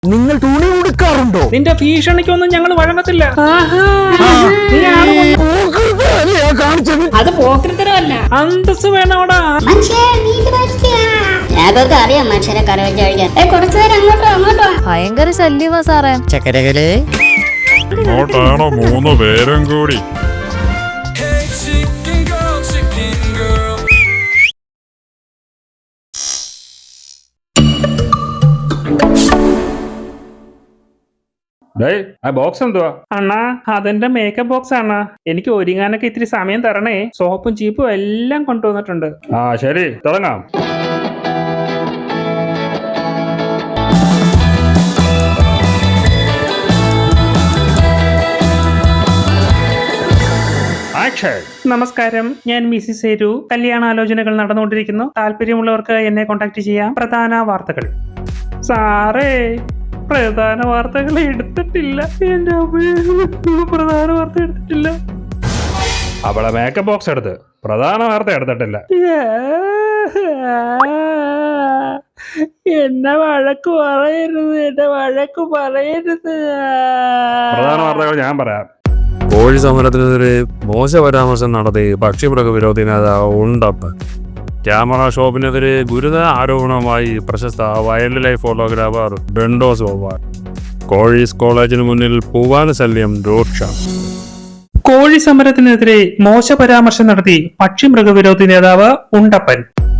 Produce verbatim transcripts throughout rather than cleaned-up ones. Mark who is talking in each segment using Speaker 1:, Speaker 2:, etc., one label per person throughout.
Speaker 1: നിങ്ങൾ തുണി ഉടുക്കാറുണ്ടോ?
Speaker 2: നിന്റെ ഭീഷണിക്കൊന്നും ഞങ്ങൾ വഴങ്ങത്തില്ല.
Speaker 3: അത് പോക്കൃത്തരമല്ല,
Speaker 2: അന്തസ് വേണോടാ.
Speaker 3: ഞങ്ങൾക്ക് അറിയാം മനുഷ്യരെ കറി വെച്ച് കഴിക്കാൻ. കുറച്ചു നേരം അങ്ങോട്ടോ അങ്ങോട്ടോ.
Speaker 4: ഭയങ്കര ശല്യമാ സാറേ.
Speaker 1: ചക്കരകളെ
Speaker 5: ഇങ്ങോട്ടാണോ മൂന്ന് പേരും കൂടി?
Speaker 2: ആ ബോക്സ് എന്തുവാ അണ്ണാ? അതെന്റെ മേക്കപ്പ് ബോക്സ് ആണ്. എനിക്ക് ഒരുങ്ങാനൊക്കെ ഇത്തിരി സമയം തരണേ. സോപ്പും ചീപ്പും എല്ലാം കൊണ്ടുവന്നിട്ടുണ്ട്. ആ ശരി, തുടങ്ങാം. നമസ്കാരം, ഞാൻ മിസിസ് സേരു. കല്യാണാലോചനകൾ നടന്നുകൊണ്ടിരിക്കുന്നു. താല്പര്യമുള്ളവർക്ക് എന്നെ കോൺടാക്ട് ചെയ്യാം. പ്രധാന വാർത്തകൾ. സാറേ, പ്രധാന വാർത്തകൾ എടുത്തിട്ടില്ല. എന്റെ പ്രധാന വാർത്ത എടുത്തിട്ടില്ല. അവളെ മേക്കപ്പ് ബോക്സ് എടുത്ത് പ്രധാന വാർത്ത എടുത്തിട്ടില്ല. എന്നെ വഴക്ക് പറയരുത്, എന്നെ വഴക്ക് പറയരുത്. പ്രധാന വാർത്തകൾ ഞാൻ പറയാം.
Speaker 5: കോഴി സമരത്തിനെതിരെ മോശ പരാമർശം നടത്തി പക്ഷിമൃഗ വിരോധി നേതാവ് ഉണ്ടപ്പൻ. ക്യാമറ ഷോപ്പിനെതിരെ ഗുരുതര ആരോപണവുമായി പ്രശസ്ത വൈൽഡ് ലൈഫ് ഫോട്ടോഗ്രാഫർ ബെൻഡോസ് ബോബാൻ. കോഴീസ് കോളേജിന് മുന്നിൽ പൂവാന ശല്യം രൂക്ഷം.
Speaker 2: കോഴി സമരത്തിനെതിരെ മോശ പരാമർശം നടത്തി പക്ഷിമൃഗവിരോധി നേതാവ് ഉണ്ടപ്പൻ.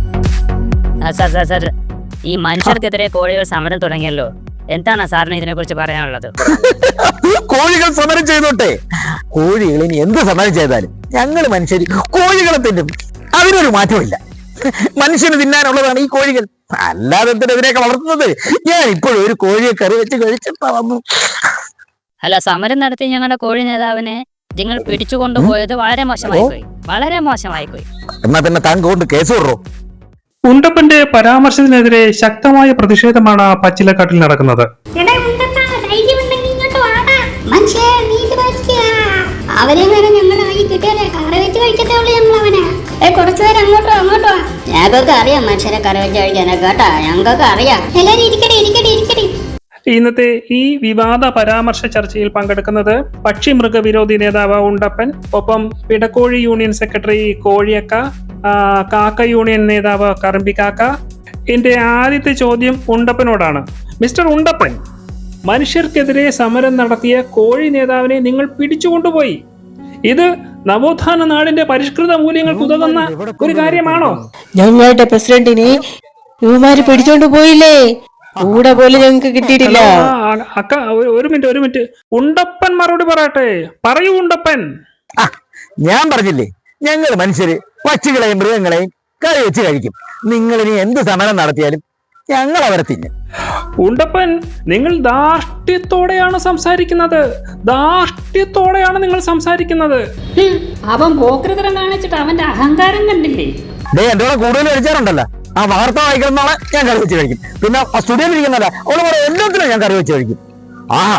Speaker 6: ഈ മനുഷ്യർക്കെതിരെ കോഴികൾ സമരം തുടങ്ങിയല്ലോ, എന്താണ് സാറിന് ഇതിനെ കുറിച്ച് പറയാനുള്ളത്?
Speaker 1: കോഴികൾ സമരം ചെയ്തോട്ടെ. കോഴികൾ ഇനി എന്ത് സമരം ചെയ്താലും ഞങ്ങൾ മനുഷ്യർ കോഴികളെ തിന്നും. അതിനൊരു മാറ്റമില്ല. മനുഷ്യന് തിന്നാനുള്ളതാണ് ഈ കോഴികൾ. അല്ലാതെ ഇതിനെതിരെയൊക്കെ വളർത്തുന്നത്. ഞാൻ ഇപ്പോഴും ഒരു കോഴിയെ കറി വെച്ച് കഴിച്ചിട്ടാ വന്നു.
Speaker 6: അല്ല, സമരം നടത്തി ഞങ്ങളുടെ കോഴി നേതാവിനെ നിങ്ങൾ പിടിച്ചു കൊണ്ടുപോയത് വളരെ മോശമായി പോയി, വളരെ മോശമായി പോയി.
Speaker 1: എന്നാ പിന്നെ താങ്കൾ കൊണ്ട് കേസ് വിടറോ?
Speaker 2: ഉണ്ടപ്പന്റെ പരാമർശത്തിനെതിരെ ശക്തമായ പ്രതിഷേധമാണ് പച്ചിലക്കാട്ടിൽ നടക്കുന്നത്.
Speaker 3: അവരെ വരെ ഞങ്ങളുടെ കൈ കിട്ടിയാലേ കറി വെച്ച് കഴിക്കത്തേ ഉള്ളൂ ഞങ്ങൾ അവനെ. ഏ കുറച്ചു നേരം അങ്ങോട്ടോ അങ്ങോട്ടോ. ഞങ്ങൾക്ക് അറിയാം മനുഷ്യരെ കറി വെച്ച് കഴിക്കാനേ കേട്ടാ, ഞങ്ങൾക്ക് അറിയാം. എല്ലാരും ഇരിക്കട്ടെ ഇരിക്കട്ടെ ഇരിക്കട്ടെ.
Speaker 2: ഇന്നത്തെ ഈ വിവാദ പരാമർശ ചർച്ചയിൽ പങ്കെടുക്കുന്നത് പക്ഷി മൃഗവിരോധി നേതാവ് ഉണ്ടപ്പൻ, ഒപ്പം പിടക്കോഴി യൂണിയൻ സെക്രട്ടറി കോഴിയക്ക, കാക്ക യൂണിയൻ നേതാവ് കറമ്പിക്കാക്ക. എന്റെ ആദ്യത്തെ ചോദ്യം ഉണ്ടപ്പനോടാണ്. മിസ്റ്റർ ഉണ്ടപ്പൻ, മനുഷ്യർക്കെതിരെ സമരം നടത്തിയ കോഴി നേതാവിനെ നിങ്ങൾ പിടിച്ചുകൊണ്ടുപോയി. ഇത് നവോത്ഥാന നാടിന്റെ പരിഷ്കൃത മൂല്യങ്ങൾക്ക് ഉതകുന്ന ഒരു കാര്യമാണോ?
Speaker 7: ഞങ്ങളുടെ പ്രസിഡന്റിനെ ഇവമാര് പിടിച്ചോണ്ട് പോയില്ലേ, കൂടെ പോലും ഞങ്ങൾക്ക് കിട്ടിയിട്ടില്ല.
Speaker 2: അക്ക ഒരു മിനിറ്റ് ഒരു മിനിറ്റ് ഉണ്ടപ്പൻ മറുപടി പറയട്ടെ. പറയൂ ഉണ്ടപ്പൻ.
Speaker 1: ഞാൻ പറഞ്ഞില്ലേ, ഞങ്ങൾ മനുഷ്യര് പക്ഷികളെയും മൃഗങ്ങളെയും കറി വെച്ച് കഴിക്കും. നിങ്ങൾ ഇനി എന്ത് സമരം നടത്തിയാലും ഞങ്ങൾ അവരെ തിന്നും.
Speaker 2: ഉണ്ടപ്പൻ, നിങ്ങൾ ധാർഷ്ട്യത്തോടെയാണ് സംസാരിക്കുന്നത്. ധാർഷ്ട്യത്തോടെയാണ് നിങ്ങൾ സംസാരിക്കുന്നത്.
Speaker 3: അവൻ പോക്കൃതരം കാണിച്ചിട്ട് അവന്റെ അഹങ്കാരം കണ്ടില്ലേ?
Speaker 1: ഡേ എന്റെ കൂടെ കൂടുതൽ കഴിച്ചാറുണ്ടല്ലോ. ആ വാർത്ത വായിക്കുന്നതാണ് ഞാൻ കറി വെച്ച് കഴിക്കും. പിന്നെ സ്റ്റുഡിയോയിൽ ഇരിക്കുന്നല്ല അവള് പറയും എല്ലാത്തിനും ഞാൻ കറി വെച്ച് കഴിക്കും. ആഹാ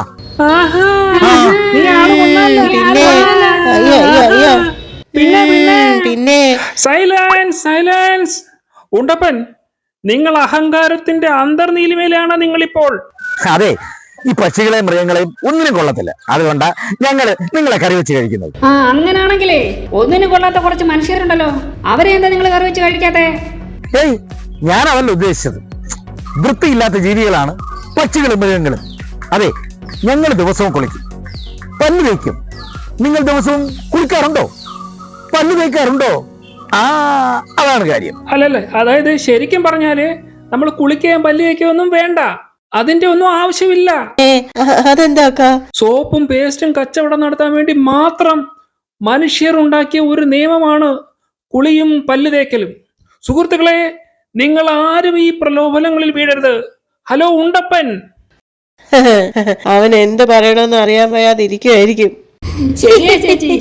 Speaker 2: പിന്നെ സൈലൻസ് സൈലൻസ്. ഉണ്ടപ്പൻ, നിങ്ങൾ അഹങ്കാരത്തിന്റെ അന്തർനീലിമയിലാണ് നിങ്ങളിപ്പോൾ.
Speaker 1: അതെ, ഈ പക്ഷികളെയും മൃഗങ്ങളെയും ഒന്നിനും കൊള്ളത്തില്ല. അതുകൊണ്ടാ ഞങ്ങള് നിങ്ങളെ കറി വെച്ച് കഴിക്കുന്നത്.
Speaker 3: ആ അങ്ങനാണെങ്കിലേ ഒന്നിനും കൊള്ളാത്ത കുറച്ച് മനുഷ്യരുണ്ടല്ലോ, അവരെ എന്താ നിങ്ങൾ കറി വെച്ച് കഴിക്കാത്തെ?
Speaker 1: ഏയ്, ഞാൻ അവല്ല ഉദ്ദേശിച്ചത്. വൃത്തിയില്ലാത്ത ജീവികളാണ് പക്ഷികളും മൃഗങ്ങളും. അതെ, ഞങ്ങൾ ദിവസവും കുളിക്കും, പല്ല് തേക്കും. നിങ്ങൾ ദിവസവും കുളിക്കാറുണ്ടോ? പല്ല് തേക്കാറുണ്ടോ? ആ അതാണ് കാര്യം.
Speaker 2: അല്ലല്ലേ, അതായത് ശരിക്കും പറഞ്ഞാല് നമ്മൾ കുളിക്കുകയും പല്ല് തേക്കുകയും ഒന്നും വേണ്ട. അതിന്റെ ഒന്നും ആവശ്യമില്ല.
Speaker 7: അതെന്താ?
Speaker 2: സോപ്പും പേസ്റ്റും കച്ചവടം നടത്താൻ വേണ്ടി മാത്രം മനുഷ്യർ ഉണ്ടാക്കിയ ഒരു നിയമമാണ് കുളിയും പല്ല് തേക്കലും. സുഹൃത്തുക്കളെ, നിങ്ങൾ ആരും ഈ പ്രലോഭനങ്ങളിൽ വീഴരുത്. ഹലോ ഉണ്ടപ്പൻ.
Speaker 7: അവൻ എന്ത് പറയണമെന്ന് അറിയാൻ വയ്യാതിരിക്കുമായിരിക്കും.
Speaker 3: ശരിയാ ചേച്ചി.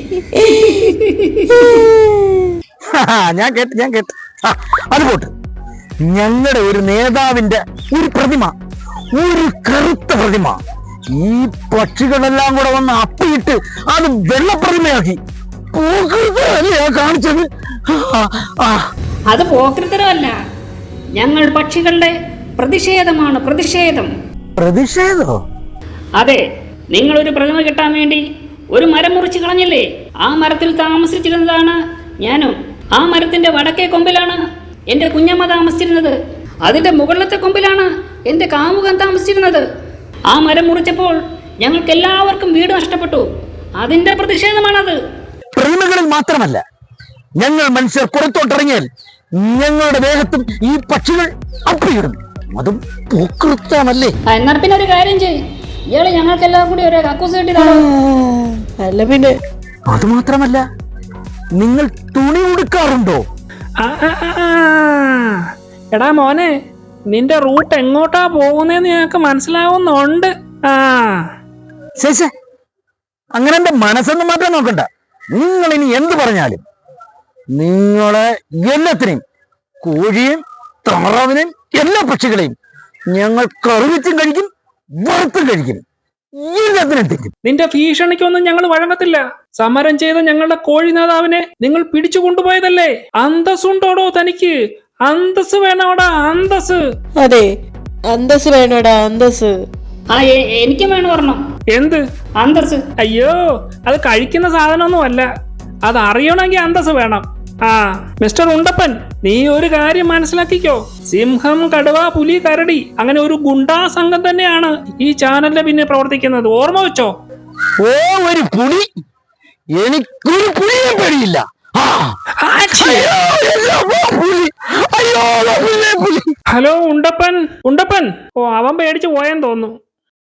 Speaker 1: ഞാൻ കേട്ട് ഞാൻ കേട്ട് അത് പോട്ട്. ഞങ്ങളുടെ ഒരു നേതാവിന്റെ ഒരു പ്രതിമ, ഒരു കറുത്ത പ്രതിമ, ഈ പക്ഷികളെല്ലാം കൂടെ വന്ന് അപ്പിയിട്ട് അത് വെള്ളപ്രതിമയാക്കി. കാണിച്ചത്
Speaker 3: അത് പോക്കൃത്തരമല്ല, ഞങ്ങൾ പക്ഷികളുടെ പ്രതിഷേധമാണ്, പ്രതിഷേധം.
Speaker 1: പ്രതിഷേധോ?
Speaker 6: അതെ, നിങ്ങളൊരു പ്രതിമ കിട്ടാൻ വേണ്ടി ഒരു മരം മുറിച്ച് കളഞ്ഞില്ലേ? ആ മരത്തിൽ താമസിച്ചിരുന്നതാണ് ഞാനും. ആ മരത്തിന്റെ വടക്കേ കൊമ്പിലാണ് എന്റെ കുഞ്ഞമ്മ താമസിച്ചിരുന്നത്. അതിന്റെ മുകളിലത്തെ കൊമ്പിലാണ് എന്റെ കാമുകൻ താമസിച്ചിരുന്നത്. ആ മരം മുറിച്ചപ്പോൾ ഞങ്ങൾക്ക് എല്ലാവർക്കും വീട് നഷ്ടപ്പെട്ടു. അതിന്റെ പ്രതിഷേധമാണത്.
Speaker 1: പ്രതിമകളിൽ മാത്രമല്ല, ഞങ്ങൾ മനുഷ്യർ പുറത്തോട്ടിറങ്ങിയാൽ ഞങ്ങളുടെ ദേഹത്തും ഈ പക്ഷികൾ അപ്പിയിടും. അതും പൂക്കൃത്താണല്ലേ?
Speaker 6: എന്നാൽ പിന്നെ ഒരു കാര്യം ചെയ്യ്, ഇയാള് ഞങ്ങൾക്ക് എല്ലാം കൂടി ഒരു കക്കൂസ് കെട്ടി
Speaker 7: ആ, അല്ല പിന്നെ
Speaker 1: അത് മാത്രമല്ല, നിങ്ങൾ തുണി ഉടുക്കാറുണ്ടോ?
Speaker 2: ആ, ആ, ആ, ആ. എടാ മോനെ, നിന്റെ റൂട്ട് എങ്ങോട്ടാ പോകുന്നതെന്ന് ഞങ്ങൾക്ക് മനസ്സിലാവുന്നുണ്ട്. ആ
Speaker 1: ശേഷേ, അങ്ങനെ എന്റെ മനസ്സൊന്നും മാറ്റാൻ നോക്കണ്ട. നിങ്ങൾ ഇനി എന്ത് പറഞ്ഞാലും നിങ്ങളെ എല്ലാത്തിനെയും, കോഴിയും താറാവിനെയും എല്ലാ പക്ഷികളെയും ഞങ്ങൾ കറിവെച്ചും കഴിക്കും, വറുത്തും കഴിക്കും, എല്ലാത്തിനും തെറ്റും.
Speaker 2: നിന്റെ ഭീഷണിക്കൊന്നും ഞങ്ങൾ വഴങ്ങത്തില്ല. സമരം ചെയ്ത ഞങ്ങളുടെ കോഴി നേതാവിനെ നിങ്ങൾ പിടിച്ചു കൊണ്ടുപോയതല്ലേ? അന്തസ്സുണ്ടോടോ തനിക്ക്? അന്തസ് വേണോടാ, അന്തസ്.
Speaker 7: അതെ, അന്തസ് വേണോടാ, അന്തസ്.
Speaker 6: ആ എ- എനിക്കും വേണം ഒരെണ്ണം.
Speaker 2: എന്ത്
Speaker 6: അന്തസ്?
Speaker 2: അയ്യോ, അത് കഴിക്കുന്ന സാധനമൊന്നും അല്ല. അത് അറിയണമെങ്കിൽ അന്തസ് വേണം. ആ മിസ്റ്റർ ഉണ്ടപ്പൻ, നീ ഒരു കാര്യം മനസ്സിലാക്കിക്കോ. സിംഹം, കടുവ, പുലി, കരടി, അങ്ങനെ ഒരു ഗുണ്ടാ സംഘം തന്നെയാണ് ഈ ചാനലിന്റെ പിന്നെ പ്രവർത്തിക്കുന്നത്. ഓർമ്മ വെച്ചോ.
Speaker 1: ഓ, ഒരു പുലി! എനിക്കൊരു പുലിയെ പേടിയില്ല. ആ, അയ്യോ, എല്ലാ പുലി! അയ്യോ, പുലി, പുലി!
Speaker 2: ഹലോ ഉണ്ടപ്പൻ, ഉണ്ടപ്പൻ. ഓ, അവൻ പേടിച്ച് പോയെന്ന് തോന്നുന്നു.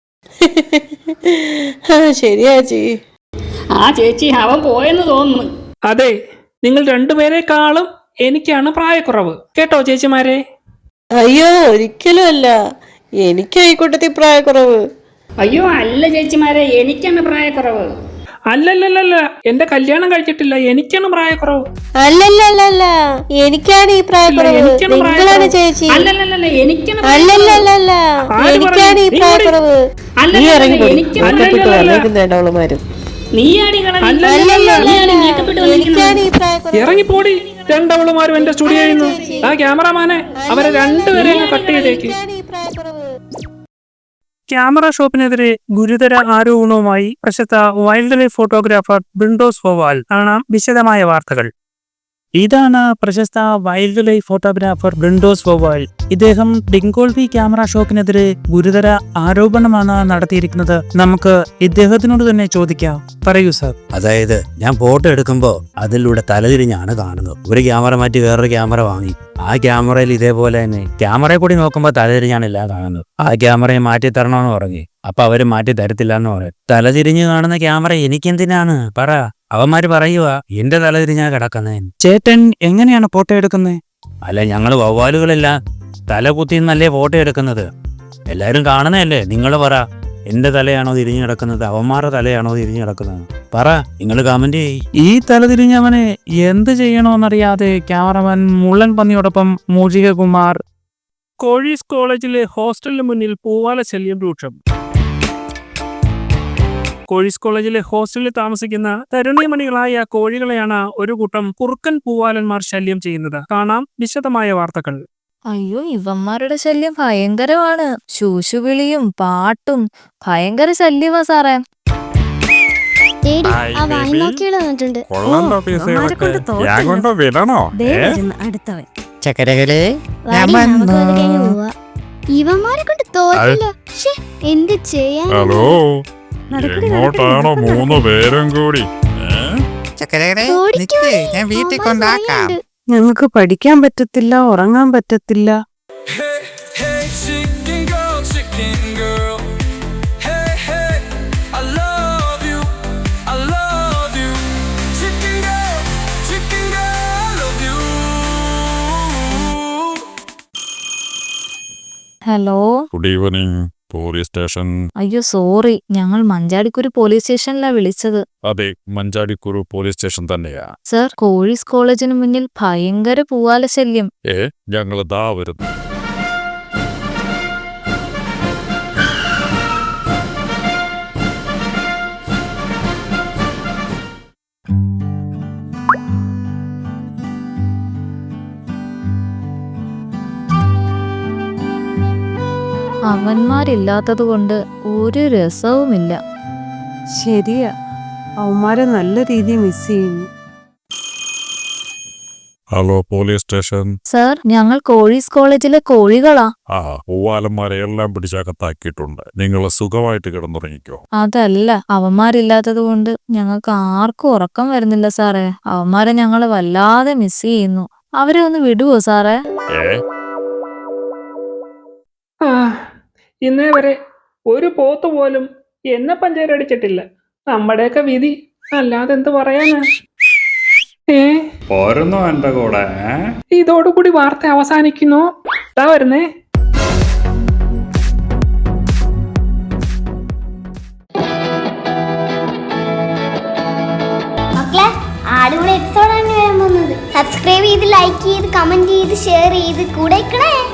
Speaker 7: ആ ശരിയാ ചീ.
Speaker 6: ആ ചേച്ചി, അവൻ പോയെന്ന് തോന്നുന്നു.
Speaker 2: അതെ, നിങ്ങൾ രണ്ടുപേരെക്കാളും എനിക്കാണ് പ്രായക്കുറവ്. കേട്ടോ ചേച്ചിമാരെ?
Speaker 7: അയ്യോ, ഒരിക്കലും അല്ല, എനിക്ക് ഈ കൂട്ടത്തിൽ പ്രായക്കുറവ്.
Speaker 6: അയ്യോ അല്ല ചേച്ചിമാരെ, എനിക്കാണ് പ്രായക്കുറവ്.
Speaker 2: അല്ലല്ലല്ല, എന്റെ കല്യാണം കഴിച്ചിട്ടില്ല, എനിക്കാണ് പ്രായക്കുറവ്.
Speaker 7: അല്ലല്ലല്ല, എനിക്കാണ് ഈ പ്രായക്കുറവ്.
Speaker 2: എനിക്കാണ്
Speaker 7: നിങ്ങളാണ്
Speaker 2: പ്രായക്കുറവ്.
Speaker 7: ചേച്ചി.
Speaker 6: അല്ലല്ലല്ല, എനിക്കാണ്
Speaker 7: അല്ലല്ലല്ല,
Speaker 2: ആര്
Speaker 7: എനിക്കാണ് ഈ
Speaker 2: പറഞ്ഞു?
Speaker 7: പ്രായക്കുറവ്. നീ
Speaker 6: അല്ലല്ലല്ല,
Speaker 7: ഇറങ്ങിപ്പോയി
Speaker 6: എനിക്കാണ്
Speaker 7: മേക്കപ്പിട്ട്
Speaker 2: അല്ലല്ലല്ല.
Speaker 7: വന്നേക്കുന്ന അവളുമാരും.
Speaker 6: നീയാടി കളഞ്ഞ.
Speaker 2: അല്ലല്ലല്ല,
Speaker 6: നീയാടി മേക്കപ്പ് ഇട്ട് വന്നിരിക്കുന്നത്.
Speaker 7: എനിക്കാണ് ഈ പ്രായക്കുറവ്.
Speaker 2: ഇറങ്ങിപ്പോടി. രണ്ടവളുമാരും എന്റെ സ്റ്റുഡിയോയിൽ നിന്ന്. ആ ക്യാമറമാനെ, അവരെ രണ്ടുപേരെ കട്ട് ചെയ്തേക്ക്.
Speaker 7: എനിക്കാണ് ഈ പ്രായക്കുറവ്.
Speaker 2: ക്യാമറ ഷോപ്പിനെതിരെ ഗുരുതര ആരോപണവുമായി പ്രശസ്ത വൈൽഡ് ലൈഫ് ഫോട്ടോഗ്രാഫർ ബിൻഡോസ് ഫോവാൽ. കാണാം വിശദമായ വാർത്തകൾ. ഇതാണ് പ്രശസ്ത വൈൽഡ് ലൈഫ് ഫോട്ടോഗ്രാഫർ ബിൻഡോസ് ഫോവാൽ. ഇദ്ദേഹം ഡിങ്കോൾവി ക്യാമറ ഷോപ്പിനെതിരെ ഗുരുതര ആരോപണമാണ് നടത്തിയിരിക്കുന്നത്. നമുക്ക് ഇദ്ദേഹത്തിനോട് തന്നെ ചോദിക്കാം. പറയൂ സാർ.
Speaker 8: അതായത് ഞാൻ ഫോട്ടോ എടുക്കുമ്പോൾ അതിലൂടെ തലതിരിഞ്ഞാണ് കാണുന്നത്. ഒരു ക്യാമറ മാറ്റി വേറൊരു ക്യാമറ വാങ്ങി, ആ ക്യാമറയിൽ ഇതേപോലെ തന്നെ ക്യാമറയിൽ കൂടി നോക്കുമ്പോൾ തലതിരിഞ്ഞാണ് എല്ലാം കാണുന്നത്. ആ ക്യാമറയെ മാറ്റി തരണമെന്ന് പറഞ്ഞു. അപ്പൊ അവര് മാറ്റി തരത്തില്ല എന്ന് പറയും. തലതിരിഞ്ഞ് കാണുന്ന ക്യാമറ എനിക്കെന്തിനാണ്? പറ. അവന്മാര് പറയുക എന്റെ തലതിരിഞ്ഞാ കിടക്കുന്നേ.
Speaker 2: ചേട്ടൻ എങ്ങനെയാണ് ഫോട്ടോ എടുക്കുന്നത്?
Speaker 8: അല്ല, ഞങ്ങള് വവ്വാലുകളെല്ലാം തല കുത്തിന്നല്ലേ ഫോട്ടോ എടുക്കുന്നത്. എല്ലാരും കാണുന്നതല്ലേ. നിങ്ങൾ പറ, എന്റെ തലയാണോ തിരിഞ്ഞു കിടക്കുന്നത്, അവന്മാരുടെ തലയാണോ തിരിഞ്ഞു കിടക്കുന്നത്? പറ, നിങ്ങൾ കമന്റ് ചെയ്യ്.
Speaker 2: ഈ തലതിരിഞ്ഞവനെ എന്ത് ചെയ്യണമെന്നറിയാതെ ക്യാമറമാൻ മുള്ളൻ പന്നിയോടൊപ്പം മൂജിക കുമാർ. കോഴീസ് കോളേജിലെ ഹോസ്റ്റലിന് മുന്നിൽ പൂവാല ശല്യം രൂക്ഷം. കോഴീസ് കോളേജിലെ ഹോസ്റ്റലിൽ താമസിക്കുന്ന തരുണീമണികളായ കോഴികളെയാണ് ഒരു കൂട്ടം കുറുക്കൻ പൂവാലന്മാർ ശല്യം ചെയ്യുന്നത്. കാണാം വിശദമായ വാർത്തകൾ.
Speaker 4: അയ്യോ, ഇവന്മാരുടെ ശല്യം ഭയങ്കരമാണ്. ശൂശുവിളിയും പാട്ടും ഭയങ്കര ശല്യമാ സാറേ.
Speaker 9: അടുത്തവൻ
Speaker 8: ചക്കരകളെ
Speaker 3: ഇവന്മാരെ കൊണ്ട് തോറ്റില്ല. എന്ത് ചെയ്യാൻ?
Speaker 5: ഹലോ, എങ്ങോട്ടാണോ മൂന്ന് പേരും കൂടി?
Speaker 3: ഞാൻ വീട്ടിൽ കൊണ്ടാക്കാം.
Speaker 9: ഞങ്ങൾക്ക് പഠിക്കാൻ പറ്റത്തില്ല, ഉറങ്ങാൻ പറ്റത്തില്ല.
Speaker 4: Hello,
Speaker 5: good evening police station.
Speaker 4: അയ്യോ സോറി, ഞങ്ങൾ മഞ്ചാടിക്കുരു പോലീസ് സ്റ്റേഷനിലാ വിളിച്ചത്.
Speaker 5: അതെ, മഞ്ചാടിക്കുരു പോലീസ് സ്റ്റേഷൻ തന്നെയാ.
Speaker 4: സർ, കോഴീസ് കോളേജിന് മുന്നിൽ ഭയങ്കര പൂവാല ശല്യം.
Speaker 5: ഏ, ഞങ്ങൾ ദാ വരുന്നു.
Speaker 4: അവന്മാരില്ലാത്തത് കൊണ്ട് ഒരു രസവുമില്ല.
Speaker 9: ശരിയാ, അവന്മാരെ നല്ല രീതിയിൽ മിസ് ചെയ്യുന്നു.
Speaker 5: Hello police station.
Speaker 4: സർ, ഞങ്ങൾ കോഴീസ് കോളേജിലെ കോഴികളാ.
Speaker 5: ആ പൂവാലന്മാരെ എല്ലാം പിടിച്ചകത്താക്കിയിട്ടുണ്ട്. നിങ്ങൾ സുഖമായിട്ട് കിടന്നുറങ്ങിക്കോ.
Speaker 4: അതല്ല, അവന്മാരില്ലാത്തത് കൊണ്ട് ഞങ്ങൾക്ക് ആർക്കും ഉറക്കം വരുന്നില്ല സാറേ. അവന്മാരെ ഞങ്ങൾ വല്ലാതെ മിസ് ചെയ്യുന്നു. അവരെ ഒന്ന് വിടുവോ സാറേ?
Speaker 5: ഏ
Speaker 2: ആ, ഇന്നേ വരെ ഒരു പോത്ത് പോലും എന്നെ പഞ്ചായത്തടിച്ചിട്ടില്ല. നമ്മുടെയൊക്കെ വിധി അല്ലാതെ എന്ത് പറയാനാ? ഏ
Speaker 5: പോരുന്നോ എന്റെ കൂടെ?
Speaker 2: ഇതോടുകൂടി വാർത്ത അവസാനിക്കുന്നു. ഇതാ വരുന്നേ.
Speaker 3: മക്കളെ, അടിപൊളി എപ്പിസോഡാണ് വരാൻ പോകുന്നത്. സബ്സ്ക്രൈബ് ചെയ്ത് ലൈക്ക് ചെയ്ത് കമന്റ് ചെയ്ത് ഷെയർ ചെയ്ത് കൂടെ നിൽക്കണേ.